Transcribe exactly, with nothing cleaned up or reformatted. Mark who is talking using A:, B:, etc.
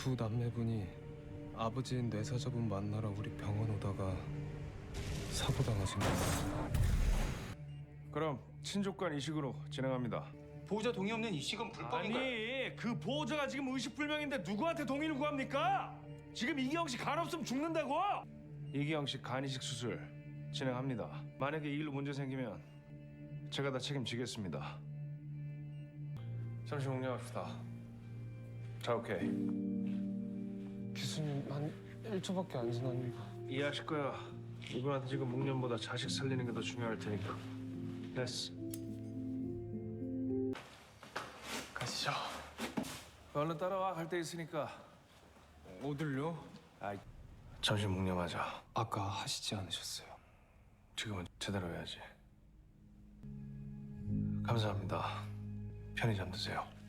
A: 두 남매분이 아버지인 뇌사자분 만나러 우리 병원 오다가 사고 당하신 거예요.
B: 그럼 친족 간 이식으로 진행합니다.
C: 보호자 동의 없는 이식은 불법인가요?
B: 아니 그 보호자가 지금 의식불명인데 누구한테 동의를 구합니까? 지금 이기영 씨 간 없으면 죽는다고? 이기영 씨 간 이식 수술 진행합니다. 만약에 이 일로 문제 생기면 제가 다 책임지겠습니다. 잠시 공략합시다. 자, 오케이.
A: 교수님 한 일 초밖에 안 지났는데.
B: 이해하실 거야. 이분한테 지금 묵념보다 자식 살리는 게 더 중요할 테니까. 됐어.
A: 가시죠.
B: 얼른 따라와. 갈 데 있으니까.
A: 어딜요?
B: 아, 잠시 묵념하자.
A: 아까 하시지 않으셨어요?
B: 지금은 제대로 해야지. 감사합니다. 편히 잠드세요.